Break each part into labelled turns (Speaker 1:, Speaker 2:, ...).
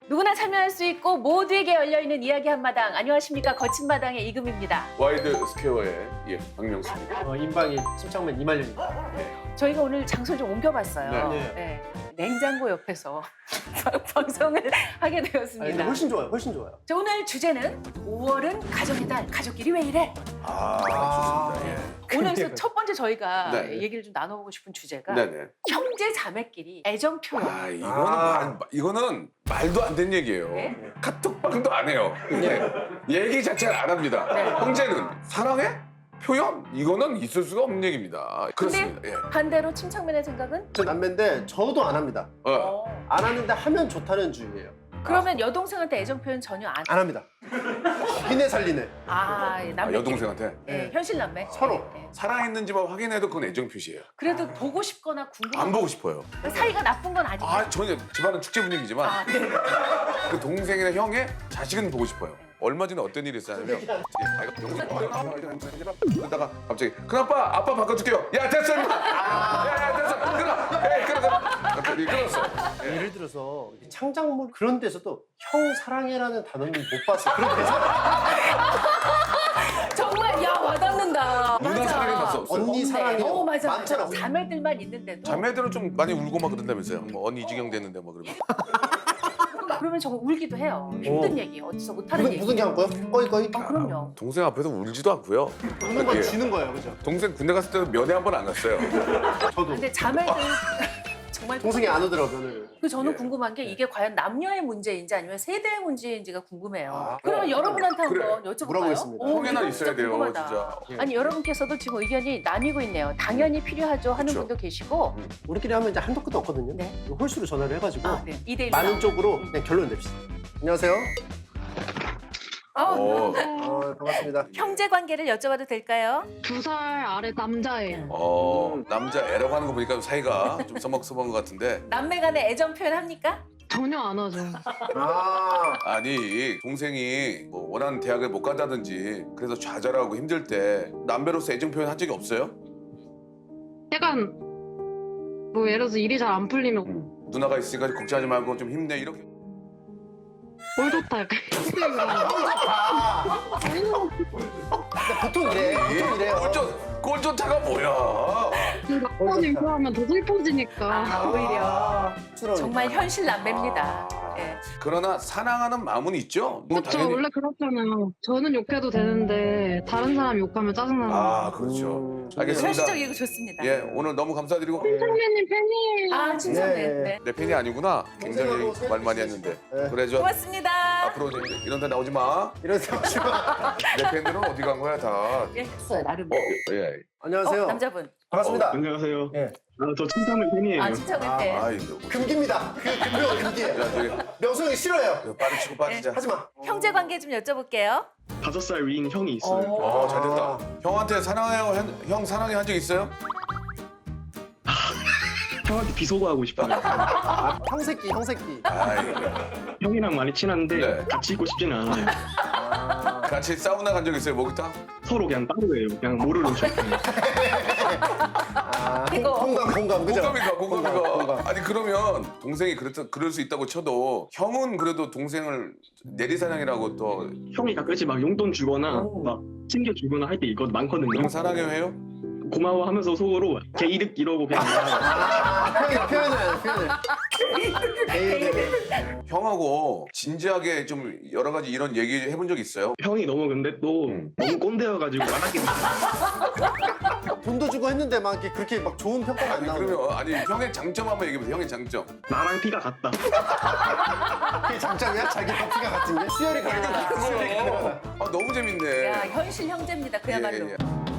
Speaker 1: 누구나 참여할 수 있고 모두에게 열려있는 이야기 한마당. 안녕하십니까, 거친 마당의 이금입니다.
Speaker 2: 와이드 스퀘어의 박명수입니다.
Speaker 3: 인방이 침착맨 이말년입니다.
Speaker 1: 저희가 오늘 장소를 좀 옮겨봤어요.
Speaker 3: 네.
Speaker 1: 네. 냉장고 옆에서 방송을 하게
Speaker 3: 아니,
Speaker 1: 되었습니다.
Speaker 3: 근데 훨씬 좋아요. 훨씬 좋아요.
Speaker 1: 자, 오늘 주제는 5월은 가족의 달. 가족끼리 왜 이래?
Speaker 2: 좋습니다. 예.
Speaker 1: 오늘 첫 번째 저희가
Speaker 2: 네.
Speaker 1: 얘기를 좀 나눠보고 싶은 주제가
Speaker 2: 네네.
Speaker 1: 형제 자매끼리 애정 표현.
Speaker 2: 이거는 말도 안 되는 얘기예요.
Speaker 1: 네?
Speaker 2: 카톡방도 안 해요. 얘기 자체를 안 합니다.
Speaker 1: 네.
Speaker 2: 형제는 사랑해? 표현? 이거는 있을 수가 없는 얘기입니다. 그렇습니다.
Speaker 1: 근데
Speaker 2: 예.
Speaker 1: 반대로 침착맨의 생각은?
Speaker 3: 저 남매인데 저도 안 합니다. 안 하는데 하면 좋다는 주의예요.
Speaker 1: 그러면 여동생한테 애정 표현 전혀 안.
Speaker 3: 안 합니다. 비네 살리네.
Speaker 1: 남매.
Speaker 2: 여동생한테
Speaker 1: 네, 현실 남매.
Speaker 3: 서로.
Speaker 1: 네.
Speaker 2: 사랑했는지만 확인해도 그건 애정 표시예요.
Speaker 1: 그래도 보고 싶거나 궁금한.
Speaker 2: 안 보고 싶어요.
Speaker 1: 사이가 나쁜 건 아니에요.
Speaker 2: 전혀 집안은 축제 분위기지만
Speaker 1: 아, 네.
Speaker 2: 그 동생이나 형의 자식은 보고 싶어요. 얼마 전에 어떤 일이 있었냐면 그러다가 갑자기 큰아빠 아빠 바꿔줄게요. 야 됐어 임마. 야 됐어 끊어. 갑자기 끊었어.
Speaker 3: 예를 들어서 창작물 그런 데서도 형 사랑해라는 단어는 못 봤어. 그런 데서
Speaker 1: 정말 야 와닿는다.
Speaker 2: 누나
Speaker 1: 맞아.
Speaker 2: 사랑해 봤어 없어요?
Speaker 3: 언니 사랑해.
Speaker 1: 맞아.
Speaker 3: 많잖아.
Speaker 1: 맞아. 자매들만 있는데도.
Speaker 2: 자매들은 좀 많이 울고 막 그런다면서요. 뭐 언니 이지경 됐는데 뭐 그러면.
Speaker 1: 그러면 정말 울기도 해요. 힘든 얘기, 어디서 못하는 얘기.
Speaker 3: 무슨 게 한 거요? 꺼이.
Speaker 1: 그럼요.
Speaker 2: 동생 앞에서 울지도 않고요.
Speaker 3: 우는 건
Speaker 2: 예.
Speaker 3: 지는 거예요, 그죠?
Speaker 2: 동생 군대 갔을 때도 면회 한 번 안 갔어요.
Speaker 3: 저도.
Speaker 1: 근데 자매들 정말
Speaker 3: 동생이 안 오더라고 면을.
Speaker 1: 저는
Speaker 2: 예.
Speaker 1: 궁금한 게 이게 과연 남녀의 문제인지 아니면 세대의 문제인지가 궁금해요.
Speaker 3: 아,
Speaker 1: 그러면 여러분한테
Speaker 2: 그래.
Speaker 1: 한번 여쭤볼까요?
Speaker 3: 물어보겠습니다.
Speaker 2: 형에나
Speaker 1: 이거
Speaker 2: 있어야 돼요,
Speaker 1: 궁금하다.
Speaker 2: 진짜.
Speaker 1: 아니 여러분께서도 지금 의견이 나뉘고 있네요. 당연히 필요하죠 하는
Speaker 2: 그쵸.
Speaker 1: 분도 계시고.
Speaker 3: 우리끼리 하면 이제 한도 끝도 없거든요.
Speaker 1: 네.
Speaker 3: 홀수로 전화를 해가지고
Speaker 1: 아, 네. 2대1.
Speaker 3: 많은 쪽으로 그냥 결론 냅시다. 안녕하세요. 반갑습니다.
Speaker 1: 형제 관계를 여쭤봐도 될까요?
Speaker 4: 2살 아래 남자예요.
Speaker 2: 남자 애라고 하는 거 보니까 사이가 좀 서먹서먹한 것 같은데.
Speaker 1: 남매 간에 애정 표현 합니까?
Speaker 4: 전혀 안 하죠.
Speaker 2: 아니 동생이 뭐 원하는 대학을 못 간다든지 그래서 좌절하고 힘들 때 남배로서 애정 표현 한 적이 없어요?
Speaker 4: 약간 뭐 예를 들어서 일이 잘 안 풀리면
Speaker 2: 누나가 있으니까 걱정하지 말고 좀 힘내 이렇게.
Speaker 4: 뭘 좋다 약간
Speaker 3: 보통 이래. 보통 이래요.
Speaker 2: 꼴조차가 뭐야?
Speaker 4: 막번 얘기하면 더 슬퍼지니까.
Speaker 1: 오히려
Speaker 3: 쑥스러우니까.
Speaker 1: 정말 현실 남매입니다. 예.
Speaker 2: 그러나 사랑하는 마음은 있죠? 뭐
Speaker 4: 그렇죠. 원래 그렇잖아요. 저는 욕해도 되는데 다른 사람 욕하면 짜증나는 거예요.
Speaker 2: 그렇죠. 알겠습니다.
Speaker 1: 현실적 얘기 좋습니다.
Speaker 2: 예, 오늘 너무 감사드리고.
Speaker 4: 선배님 팬이에요.
Speaker 1: 아, 칭찬해.
Speaker 3: 네.
Speaker 1: 네.
Speaker 2: 내 팬이 아니구나. 굉장히
Speaker 3: 동생하고
Speaker 2: 말 많이
Speaker 3: 사귀고
Speaker 2: 했는데.
Speaker 3: 네.
Speaker 2: 그래 저
Speaker 1: 고맙습니다.
Speaker 2: 앞으로 이런 데 나오지 마.
Speaker 3: 이런 생각 좀.
Speaker 2: 내 팬들은 어디 간 거야 다.
Speaker 1: 예, 했어요, 나름.
Speaker 2: 예.
Speaker 3: 안녕하세요.
Speaker 1: 남자분.
Speaker 3: 반갑습니다.
Speaker 5: 안녕하세요.
Speaker 3: 예.
Speaker 5: 저 침착맨 팬이에요.
Speaker 1: 아, 칭찬해. 팬.
Speaker 2: 아이고.
Speaker 3: 금기입니다. 금기가 금기예요.
Speaker 2: 야, 저기
Speaker 3: 명수 형이 싫어요.
Speaker 2: 빠르 치고 빠지자.
Speaker 3: 하지 마.
Speaker 1: 형제 관계 좀 여쭤볼게요.
Speaker 5: 5살 위인 형이 있어요.
Speaker 2: 잘 됐다. 형한테 사랑해요. 형 사랑해 한 적 있어요?
Speaker 5: 형한테 비속어하고 싶어요.
Speaker 3: 형새끼, 형새끼.
Speaker 2: 아이고.
Speaker 5: 형이랑 많이 친한데
Speaker 2: 네.
Speaker 5: 같이 있고 싶지는 않아요.
Speaker 2: 같이 사우나 간 적 있어요, 목욕탕?
Speaker 5: 서로 그냥 따로예요. 그냥 모르는 척.
Speaker 1: 이거.
Speaker 3: 공감, 그죠?
Speaker 2: 공감이가. 아니 그러면 동생이 그럴 수 있다고 쳐도 형은 그래도 동생을 내리사랑이라고 또
Speaker 5: 형이 가끔씩 막 용돈 주거나 막 챙겨주거나 할 때 이거 많거든요.
Speaker 2: 형 사랑해요 해요?
Speaker 5: 고마워하면서 속으로 개 이득 이러고 그냥
Speaker 3: 표현을.
Speaker 2: 형하고 진지하게 좀 여러 가지 이런 얘기 해본 적 있어요?
Speaker 5: 형이 너무 근데 또 너무 꼰대여가지고 안 하게 돼요.
Speaker 3: 돈도 주고 했는데 막 이렇게 그렇게 막 좋은 평가가 안 나오는.
Speaker 2: 그러면 아니 형의 장점 한번 얘기해보세요. 형의 장점.
Speaker 5: 나랑 피가 같다.
Speaker 3: 그게 장점이야? 자기 커피가 같은 게? 수혈이 가능하다. 수혈이 가능하다.
Speaker 2: 너무 재밌네.
Speaker 1: 야, 현실 형제입니다. 그야말로.
Speaker 2: 예.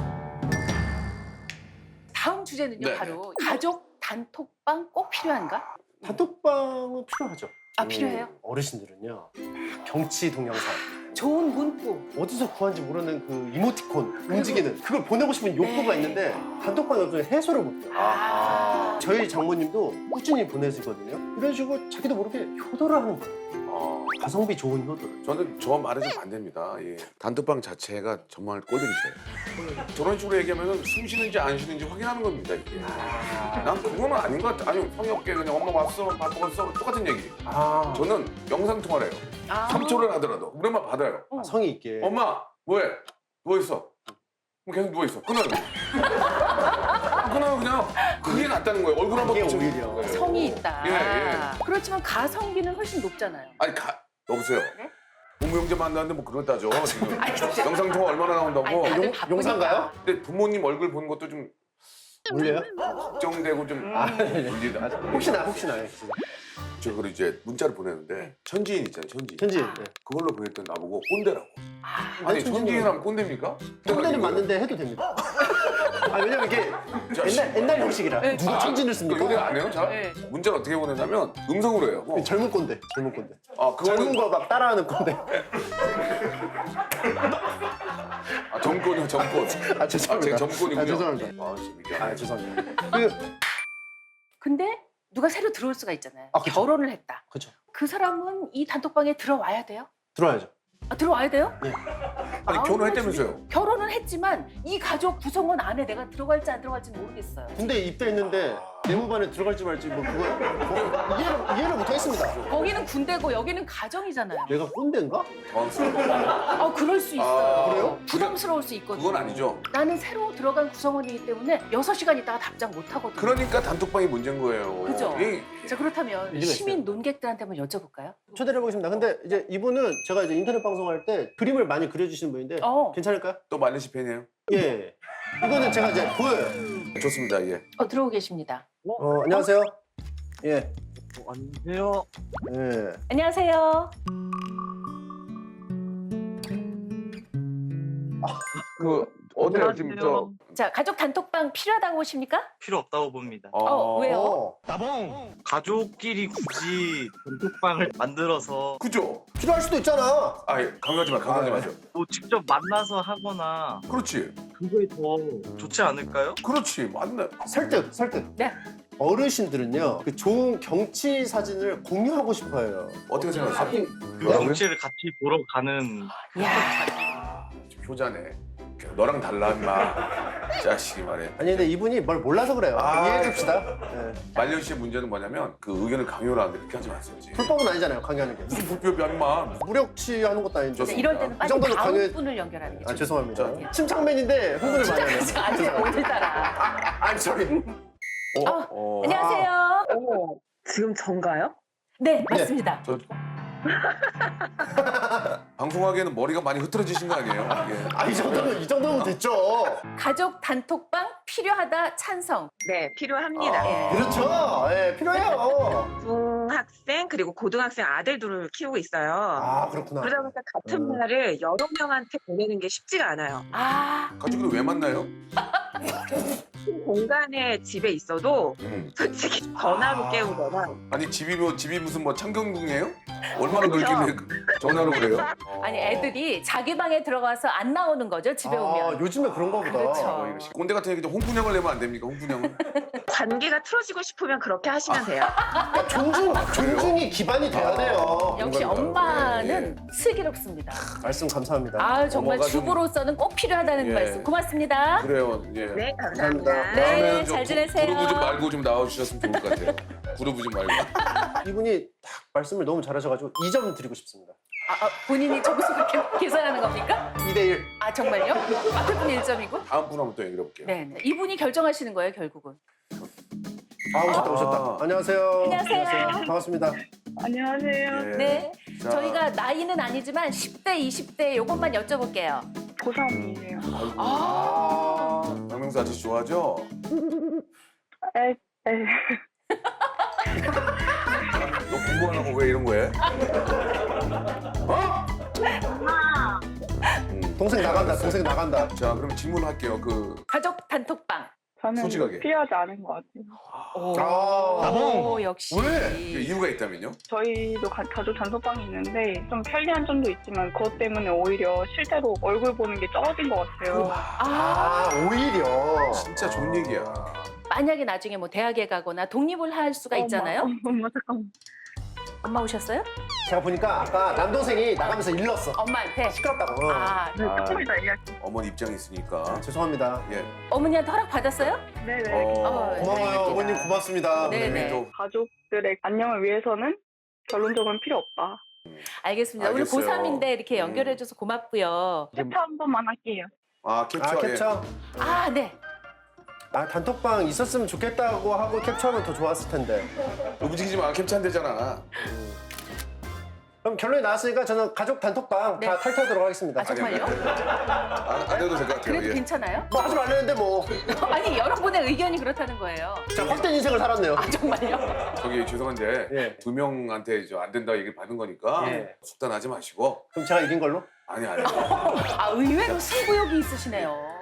Speaker 1: 다음 주제는요,
Speaker 2: 네.
Speaker 1: 바로 가족 단톡방 꼭 필요한가?
Speaker 3: 단톡방은 필요하죠.
Speaker 1: 아, 필요해요?
Speaker 3: 어르신들은요. 경치 동영상.
Speaker 1: 좋은 문구.
Speaker 3: 어디서 구한지 모르는 그 이모티콘 움직이는 그걸 보내고 싶은 욕구가 있는데 단톡방에 없으면 해소를 못해요.
Speaker 1: 아.
Speaker 3: 저희 장모님도 꾸준히 보내시거든요. 이런 식으로 자기도 모르게 효도를 하는 거예요. 가성비 좋은 효도를.
Speaker 2: 저는 저 말에 좀 반대입니다. 예. 단톡방 자체가 정말 꼴보기 싫어요. 저런 식으로 얘기하면 숨 쉬는지 안 쉬는지 확인하는 겁니다. 이게. 난 그거는 아닌 것 같아. 아니 성의 없게 그냥 엄마 왔어, 밥 먹었어 똑같은 얘기.
Speaker 3: 아,
Speaker 2: 저는 영상 통화를 해요.
Speaker 1: 아.
Speaker 2: 3초를 하더라도 그러면 받아요.
Speaker 3: 성의 있게.
Speaker 2: 엄마 뭐해? 누워 있어. 그럼 계속 누워 있어. 끊어요. 끊어요 그냥. 그게 낫다는 거예요. 얼굴 한번
Speaker 3: 그게
Speaker 2: 붙여.
Speaker 3: 오히려.
Speaker 1: 성이 있다.
Speaker 2: 예, 예.
Speaker 1: 그렇지만 가성비는 훨씬 높잖아요.
Speaker 2: 아니 여보세요.
Speaker 1: 네?
Speaker 2: 부모 형제 만나는데 뭐 그런 따져 지금.
Speaker 1: 아니, 진짜.
Speaker 2: 영상 통화 얼마나 나온다고.
Speaker 1: 아니, 다들
Speaker 3: 용-
Speaker 1: 바쁘니까.
Speaker 3: 용산가요?
Speaker 2: 근데 부모님 얼굴 보는 것도 좀
Speaker 3: 올려요?
Speaker 2: 걱정되고 좀
Speaker 3: 네.
Speaker 2: 울리다.
Speaker 3: 혹시나.
Speaker 2: 저 그걸 이제 문자를 보내는데 천지인 있잖아요, 천지인.
Speaker 3: 현지.
Speaker 1: 아.
Speaker 3: 네.
Speaker 2: 그걸로 보냈더니 나보고 꼰대라고.
Speaker 1: 아,
Speaker 2: 아니
Speaker 3: 천지인은-
Speaker 2: 천지인하면 꼰대입니까?
Speaker 3: 꼰대는 맞는데 해도 됩니다. 아, 왜냐면 이게 옛날 형식이라.
Speaker 1: 네.
Speaker 3: 누가 천진을
Speaker 2: 그러니까
Speaker 3: 씁니까?
Speaker 2: 요새 안 해요? 잘?
Speaker 1: 네.
Speaker 2: 문자를 어떻게 보내냐면 음성으로 해요.
Speaker 3: 젊은 꼰대.
Speaker 2: 아
Speaker 3: 젊은
Speaker 2: 그거는
Speaker 3: 거 막 따라하는 꼰대.
Speaker 2: 정권이요 정권.
Speaker 3: 아, 죄송합니다.
Speaker 2: 제 정권이군요.
Speaker 3: 아, 죄송합니다.
Speaker 2: 아 재밌게.
Speaker 3: 아, 죄송합니다.
Speaker 1: 근데 누가 새로 들어올 수가 있잖아요.
Speaker 3: 아, 그쵸.
Speaker 1: 결혼을 했다.
Speaker 3: 그렇죠.
Speaker 1: 그 사람은 이 단톡방에 들어와야 돼요?
Speaker 3: 들어와야죠.
Speaker 1: 아, 들어와야 돼요?
Speaker 2: 아니
Speaker 1: 아,
Speaker 2: 결혼했다면서요?
Speaker 1: 결혼은 했지만 이 가족 구성원 안에 내가 들어갈지 안 들어갈지 모르겠어요.
Speaker 3: 군대 입대했는데 내무반에 들어갈지 말지 뭐 그거 이해를 못하겠습니다.
Speaker 1: 거기는 군대고 여기는 가정이잖아요.
Speaker 3: 내가 꼰대인가?
Speaker 2: 당황스러워.
Speaker 1: 그럴 수 있어요.
Speaker 3: 그래요?
Speaker 1: 부담스러울 수 있거든요.
Speaker 2: 그건 아니죠.
Speaker 1: 나는 새로 들어간 구성원이기 때문에 6시간 있다가 답장 못 하거든요.
Speaker 2: 그러니까 단톡방이 문제인 거예요.
Speaker 1: 그죠?
Speaker 2: 이-
Speaker 1: 자, 그렇다면
Speaker 3: 일리가
Speaker 1: 시민 논객들한테 한번 여쭤볼까요?
Speaker 3: 초대를 해보겠습니다. 근데 이제 이분은 제가 이제 인터넷 방송할 때 그림을 많이 그려주시는 분인데 괜찮을까요?
Speaker 2: 또 말레시 팬이에요?
Speaker 3: 예. 이거는 제가 이제 보여요.
Speaker 2: 좋습니다. 예.
Speaker 1: 들어오고 계십니다.
Speaker 3: 안녕하세요. 예.
Speaker 5: 안녕하세요.
Speaker 3: 예.
Speaker 1: 안녕하세요.
Speaker 2: 그 어때요 지금 저?
Speaker 1: 자, 가족 단톡방 필요하다고 보십니까?
Speaker 5: 필요 없다고 봅니다.
Speaker 1: 왜요?
Speaker 5: 가족끼리 굳이 단톡방을 만들어서
Speaker 2: 그죠?
Speaker 3: 필요할 수도 있잖아.
Speaker 2: 아 강요하지 마, 강요하지 마죠.
Speaker 5: 뭐 직접 만나서 하거나
Speaker 2: 그렇지,
Speaker 5: 그게 더 좋지 않을까요?
Speaker 2: 그렇지, 맞네.
Speaker 3: 설득.
Speaker 1: 네.
Speaker 3: 어르신들은요, 그 좋은 경치 사진을 공유하고 싶어요.
Speaker 2: 어떻게 생각하세요?
Speaker 5: 그 경치를 같이 보러 가는
Speaker 1: 야,
Speaker 2: 효자네. 너랑 달라 임마. 자식이 말해.
Speaker 3: 아니 근데 이분이 뭘 몰라서 그래요.
Speaker 2: 아,
Speaker 3: 이해해줍시다. 예.
Speaker 2: 말년 씨의 문제는 뭐냐면 그 의견을 강요를 하는데 그렇게 하지 마세요.
Speaker 3: 불법은 아니잖아요, 강요하는 게.
Speaker 2: 무슨 불법이야 임마.
Speaker 3: 무력취하는 것도 아닌데.
Speaker 2: 좋습니다.
Speaker 1: 이럴 때는
Speaker 3: 이
Speaker 1: 빨리
Speaker 3: 정도는
Speaker 1: 다음
Speaker 3: 강요해-
Speaker 1: 분을 연결하는 게
Speaker 3: 아,
Speaker 1: 좋죠.
Speaker 3: 죄송합니다. 침착맨인데 흥분을 많이 하네요.
Speaker 1: 아니, 어디 따라.
Speaker 3: I'm sorry.
Speaker 1: 안녕하세요.
Speaker 6: 지금 전가요?
Speaker 1: 네, 맞습니다.
Speaker 2: 저 방송하기에는 머리가 많이 흐트러지신 거 아니에요? 예.
Speaker 3: 아, 이 정도면 됐죠.
Speaker 1: 가족 단톡방 필요하다 찬성.
Speaker 6: 네, 필요합니다.
Speaker 2: 아.
Speaker 3: 그렇죠. 예, 필요해요.
Speaker 6: 중학생 그리고 고등학생 아들들을 키우고 있어요.
Speaker 3: 아, 그렇구나.
Speaker 6: 그러다 보니까 같은 말을 여러 명한테 보내는 게 쉽지가 않아요.
Speaker 1: 아,
Speaker 2: 가족끼리 왜 만나요?
Speaker 6: 큰 공간에 집에 있어도 솔직히 전화로 깨우거나
Speaker 2: 아니 집이 무슨 뭐 창경궁이에요? 얼마나 넓길래 전화로 그래요?
Speaker 1: 아니 애들이 자기 방에 들어가서 안 나오는 거죠 집에
Speaker 3: 아,
Speaker 1: 오면.
Speaker 3: 요즘에 그런가 보다.
Speaker 1: 그렇죠.
Speaker 2: 꼰대 같은 얘기도 홍군형을 내면 안 됩니까? 홍군형은?
Speaker 6: 관계가 틀어지고 싶으면 그렇게 하시면 돼요.
Speaker 3: 그러니까 존중이 기반이 돼야 돼요.
Speaker 1: 역시
Speaker 2: 공감이다.
Speaker 1: 엄마는 슬기롭습니다.
Speaker 3: 말씀 감사합니다.
Speaker 1: 아 정말
Speaker 2: 엄마가 좀-
Speaker 1: 주부로서는 꼭 필요하다는
Speaker 2: 예.
Speaker 1: 말씀 고맙습니다.
Speaker 2: 그래요. 예.
Speaker 6: 네, 감사합니다.
Speaker 1: 네,
Speaker 2: 다음에는 좀
Speaker 1: 잘 지내세요.
Speaker 2: 그루브 좀 말고 좀 나와주셨으면 좋을 것 같아요. 그루브 좀 말고.
Speaker 3: 이분이 딱 말씀을 너무 잘하셔가지고 2점 드리고 싶습니다.
Speaker 1: 본인이 점수 그렇게 계산하는 겁니까?
Speaker 3: 2대1.
Speaker 1: 아 정말요? 앞에 분 1점이고?
Speaker 2: 다음 분 한번 또 얘기해 볼게요.
Speaker 1: 네, 이분이 결정하시는 거예요 결국은.
Speaker 3: 아, 오셨다. 안녕하세요.
Speaker 1: 안녕하세요.
Speaker 3: 반갑습니다.
Speaker 7: 안녕하세요.
Speaker 2: 예.
Speaker 1: 네,
Speaker 2: 자,
Speaker 1: 저희가 나이는 아니지만 10대, 20대 요것만 여쭤볼게요.
Speaker 7: 고3이에요.
Speaker 1: 아,
Speaker 2: 박명수 아저씨 좋아하죠?
Speaker 7: 에,
Speaker 2: 너 공부 안 하고 왜 이런 거 해? 어?
Speaker 3: 동생 나간다.
Speaker 2: 자, 그럼 질문할게요.
Speaker 1: 가족 단톡방.
Speaker 7: 저는
Speaker 2: 솔직하게.
Speaker 7: 필요하지 않은 것 같아요.
Speaker 1: 오, 역시.
Speaker 3: 왜?
Speaker 2: 이유가 있다면요?
Speaker 7: 저희도 가족 단톡방이 있는데 좀 편리한 점도 있지만 그것 때문에 오히려 실제로 얼굴 보는 게 적어진 것 같아요.
Speaker 3: 아, 오히려.
Speaker 2: 진짜 좋은 얘기야.
Speaker 1: 만약에 나중에 뭐 대학에 가거나 독립을 할 수가 있잖아요.
Speaker 7: 엄마 잠깐만.
Speaker 1: 엄마 오셨어요?
Speaker 3: 제가 보니까 아까 남동생이 나가면서 일렀어.
Speaker 1: 엄마한테.
Speaker 3: 시끄럽다고.
Speaker 1: 아,
Speaker 7: 네, 조금이다 얘기할게요.
Speaker 2: 어머니 입장이 있으니까.
Speaker 3: 죄송합니다.
Speaker 2: 예.
Speaker 1: 어머니한테 허락 받았어요?
Speaker 7: 네네.
Speaker 1: 어,
Speaker 3: 고마워요.
Speaker 1: 다행입니다.
Speaker 3: 어머님 고맙습니다.
Speaker 1: 네. 네네.
Speaker 2: 또
Speaker 7: 가족들의 안녕을 위해서는 결론적으로는 필요 없다.
Speaker 1: 알겠습니다.
Speaker 2: 알겠어요.
Speaker 1: 우리 고3인데 이렇게 연결해줘서 고맙고요.
Speaker 7: 캡처 한 번만 할게요.
Speaker 2: 아 캡처.
Speaker 3: 아, 캡처.
Speaker 1: 아, 네.
Speaker 3: 아, 단톡방 있었으면 좋겠다고 하고 캡처하면 더 좋았을 텐데.
Speaker 2: 예. 움직이지 마. 캡처 안 되잖아.
Speaker 3: 그럼 결론이 나왔으니까 저는 가족 단톡방
Speaker 1: 네.
Speaker 3: 다 탈퇴하도록 하겠습니다.
Speaker 1: 아, 정말요?
Speaker 2: 안 해도 될 것 같아요.
Speaker 1: 그래도
Speaker 2: 예.
Speaker 1: 괜찮아요?
Speaker 3: 뭐 하지 말랬는데 뭐.
Speaker 1: 아니, 여러분의 의견이 그렇다는 거예요.
Speaker 3: 자, 헛된 인생을 살았네요.
Speaker 1: 아, 정말요?
Speaker 2: 저기 죄송한데
Speaker 3: 예.
Speaker 2: 두 명한테 안 된다 얘기를 받은 거니까
Speaker 3: 예.
Speaker 2: 속단하지 마시고.
Speaker 3: 그럼 제가 이긴 걸로?
Speaker 2: 아니.
Speaker 1: 아, 의외로 승부욕이 있으시네요.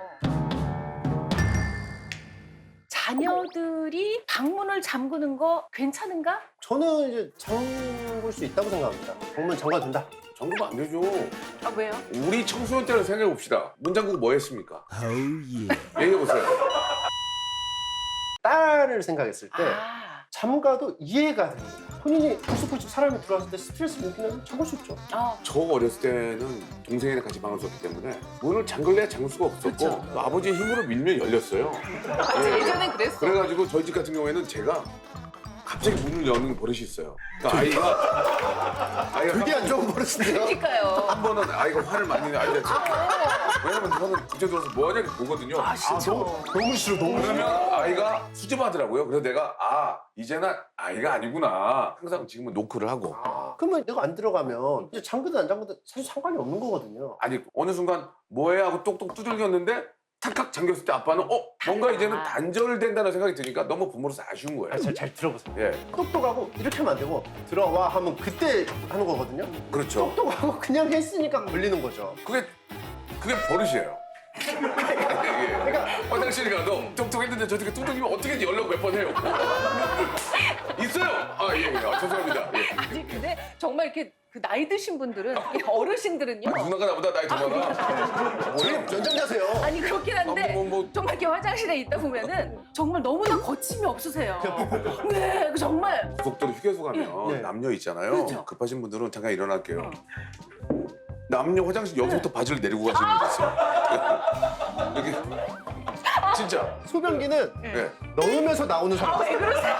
Speaker 1: 자녀들이 방문을 잠그는 거 괜찮은가?
Speaker 3: 저는 이제 잠글 수 있다고 생각합니다. 방문 잠가도 된다.
Speaker 2: 잠그면 안 되죠.
Speaker 1: 아, 왜요?
Speaker 2: 우리 청소년 때를 생각해 봅시다. 문 잠그고 뭐 했습니까? 얘기해 보세요.
Speaker 3: 딸을 생각했을 때
Speaker 1: 아,
Speaker 3: 잠가도 이해가 됩니다. 본인이 불쑥불쑥 사람이 들어왔을 때 스트레스 느끼면 잠글 수 있죠.
Speaker 2: 저 어렸을 때는 동생이랑 같이 방을 썼기 때문에 문을 잠글래야 잠글 수가 없었고
Speaker 1: 그쵸.
Speaker 2: 또 아버지의 힘으로 밀면 열렸어요.
Speaker 1: 예전엔 그랬어.
Speaker 2: 그래가지고 저희 집 같은 경우에는 제가 갑자기 문을 여는 버릇이 있어요. 그러니까 아이가
Speaker 3: 되게 안 좋은 버릇인데요.
Speaker 1: 그러니까요.
Speaker 2: 한 번은 아이가 화를 많이 내는 아이가 왜냐면 저는 그때 들어서 뭐 하냐 이렇게 보거든요.
Speaker 1: 아, 진짜.
Speaker 3: 너무 싫어, 너무 싫어.
Speaker 2: 그러면 아이가 수줍어하더라고요. 그래서 내가 이제는 아이가 아니구나. 항상 지금은 노크를 하고.
Speaker 3: 그러면 내가 안 들어가면 이제 잠그든 안 잠그든 사실 상관이 없는 거거든요.
Speaker 2: 아니 어느 순간 뭐해 하고 똑똑 두들겼는데 탁탁 잠겼을 때 아빠는 뭔가 이제는 단절된다는 생각이 드니까 너무 부모로서 아쉬운 거예요.
Speaker 3: 잘 들어보세요.
Speaker 2: 예,
Speaker 3: 똑똑하고 이렇게 하면 안 되고 들어와 하면 그때 하는 거거든요.
Speaker 2: 그렇죠.
Speaker 3: 똑똑하고 그냥 했으니까 걸리는 거죠.
Speaker 2: 그게 버릇이에요. 그러니까 화장실 가도 똑똑했는데 저렇게 두들기면 어떻게든 연락 몇 번 해요. 있어요. 죄송합니다. 예.
Speaker 1: 아니, 근데 정말 이렇게 그 나이 드신 분들은, 특히 어르신들은요.
Speaker 2: 누나가 나보다 나이 더 많아.
Speaker 3: 지금 연장자세요.
Speaker 1: 아니, 그렇긴 한데.
Speaker 2: 뭐.
Speaker 1: 정말 이렇게 화장실에 있다 보면은 정말 너무나 거침이 없으세요. 네, 정말.
Speaker 2: 고속도로 휴게소 가면
Speaker 3: 네.
Speaker 2: 남녀 있잖아요.
Speaker 1: 그렇죠.
Speaker 2: 급하신 분들은 잠깐 일어날게요. 남녀 화장실 여기서부터 바지를 내리고 가시는 분들 있어요. 여기 진짜.
Speaker 3: 소변기는
Speaker 2: 네.
Speaker 3: 넣으면서 나오는 사람.
Speaker 1: 왜 그러세요?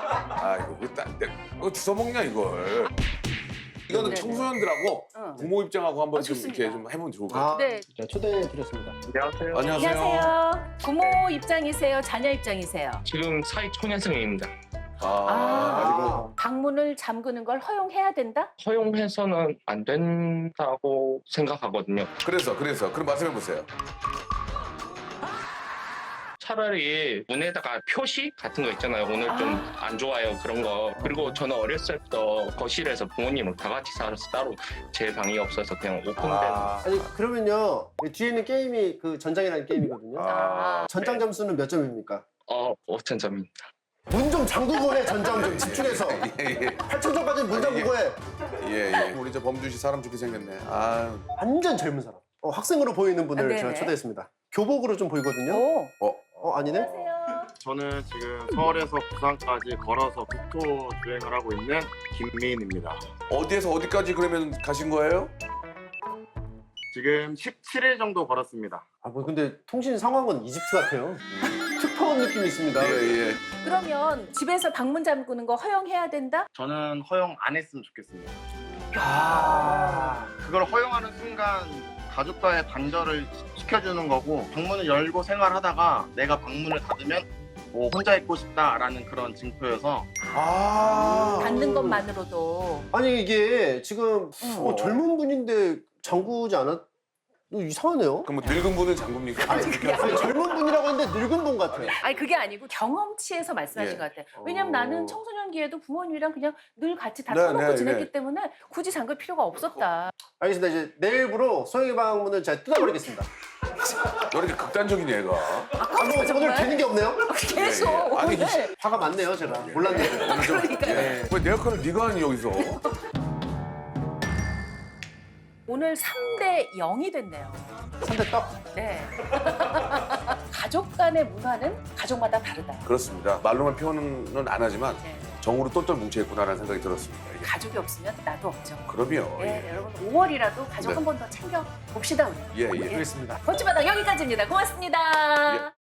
Speaker 2: 이거 주워 먹냐 이걸. 이거는
Speaker 1: 네네.
Speaker 2: 청소년들하고
Speaker 1: 응.
Speaker 2: 부모 입장하고 한번 좀
Speaker 1: 좋습니다.
Speaker 2: 이렇게 좀 해보면 좋을 것 같아요.
Speaker 1: 네.
Speaker 3: 자, 초대해드렸습니다.
Speaker 5: 안녕하세요.
Speaker 1: 안녕하세요. 부모 입장이세요? 자녀 입장이세요?
Speaker 5: 지금 사회 초년생입니다.
Speaker 2: 아이고.
Speaker 1: 방문을 잠그는 걸 허용해야 된다?
Speaker 5: 허용해서는 안 된다고 생각하거든요.
Speaker 2: 그래서 그럼 말씀해 보세요.
Speaker 5: 차라리 문에다가 표시 같은 거 있잖아요. 오늘 좀 안 좋아요 그런 거. 그리고 저는 어렸을 때부터 거실에서 부모님은 다 같이 살아서 따로 제 방이 없어서 그냥 오픈된.
Speaker 3: 아니 그러면요 이 뒤에 있는 게임이 그 전장이라는 게임이거든요. 전장 점수는 몇 점입니까?
Speaker 5: 5,000점입니다.
Speaker 3: 문 좀 잠그고 해 전장 좀 집중해서.
Speaker 2: 예.
Speaker 3: 8,000점까지는 문 잠그고 해.
Speaker 2: 예. 우리 저 범준 씨 사람 좋게 생겼네. 아.
Speaker 3: 완전 젊은 사람. 학생으로 보이는 분을
Speaker 1: 네네.
Speaker 3: 제가 초대했습니다. 교복으로 좀 보이거든요.
Speaker 1: 오.
Speaker 3: 아니네.
Speaker 1: 안녕하세요.
Speaker 8: 저는 지금 서울에서 부산까지 걸어서 국토 주행을 하고 있는 김미인입니다.
Speaker 2: 어디에서 어디까지 그러면 가신 거예요?
Speaker 8: 지금 17일 정도 걸었습니다.
Speaker 3: 뭐 근데 통신 상황은 이집트 같아요. 특파원 느낌이 있습니다.
Speaker 2: 예.
Speaker 1: 그러면 집에서 방문 잠그는 거 허용해야 된다?
Speaker 8: 저는 허용 안 했으면 좋겠습니다.
Speaker 3: 아.
Speaker 8: 그걸 허용하는 순간 가족과의 단절을 시켜주는 거고 방문을 열고 생활하다가 내가 방문을 닫으면 혼자 있고 싶다라는 그런 징표여서
Speaker 1: 닫는 것만으로도.
Speaker 3: 아니 이게 지금
Speaker 1: 응.
Speaker 3: 젊은 분인데 잠그지 않았? 이상하네요.
Speaker 2: 그럼 뭐 늙은 분은 장군입니까?
Speaker 3: 아니 젊은 분이라고 했는데 늙은 분 같아요.
Speaker 1: 아니 그게 아니고 경험치에서 말씀하신
Speaker 2: 예.
Speaker 1: 것 같아요. 왜냐면 나는 청소년기에도 부모님이랑 그냥 늘 같이 다
Speaker 2: 네,
Speaker 1: 터놓고
Speaker 2: 네,
Speaker 1: 지냈기
Speaker 2: 네.
Speaker 1: 때문에 굳이 잠글 필요가 없었다.
Speaker 3: 알겠습니다. 이제 내일부로 소영이 방문을 제가 뜯어버리겠습니다.
Speaker 2: 왜 이렇게 극단적인 얘가?
Speaker 3: 뭐 오늘 되는 게 없네요?
Speaker 1: 계속
Speaker 2: 예. 아니,
Speaker 1: 오늘.
Speaker 3: 화가 많네요 제가. 몰랐네요.
Speaker 1: 그러니까요.
Speaker 2: 왜 내 역할을 네가 하니 여기서?
Speaker 1: 오늘 3대 0이 됐네요.
Speaker 3: 3대 떡.
Speaker 1: 네. 가족 간의 문화는 가족마다 다르다.
Speaker 2: 그렇습니다. 말로만 표현은 안 하지만
Speaker 1: 네.
Speaker 2: 정으로 똘똘 뭉쳐있구나라는 생각이 들었습니다. 예.
Speaker 1: 가족이 없으면 나도 없죠.
Speaker 2: 그럼요.
Speaker 1: 예,
Speaker 2: 예.
Speaker 1: 여러분 5월이라도 가족
Speaker 2: 네.
Speaker 1: 한 번 더 챙겨 봅시다 우리.
Speaker 2: 예, 예.
Speaker 3: 그렇습니다.
Speaker 1: 거치바닥 여기까지입니다. 고맙습니다.
Speaker 2: 예.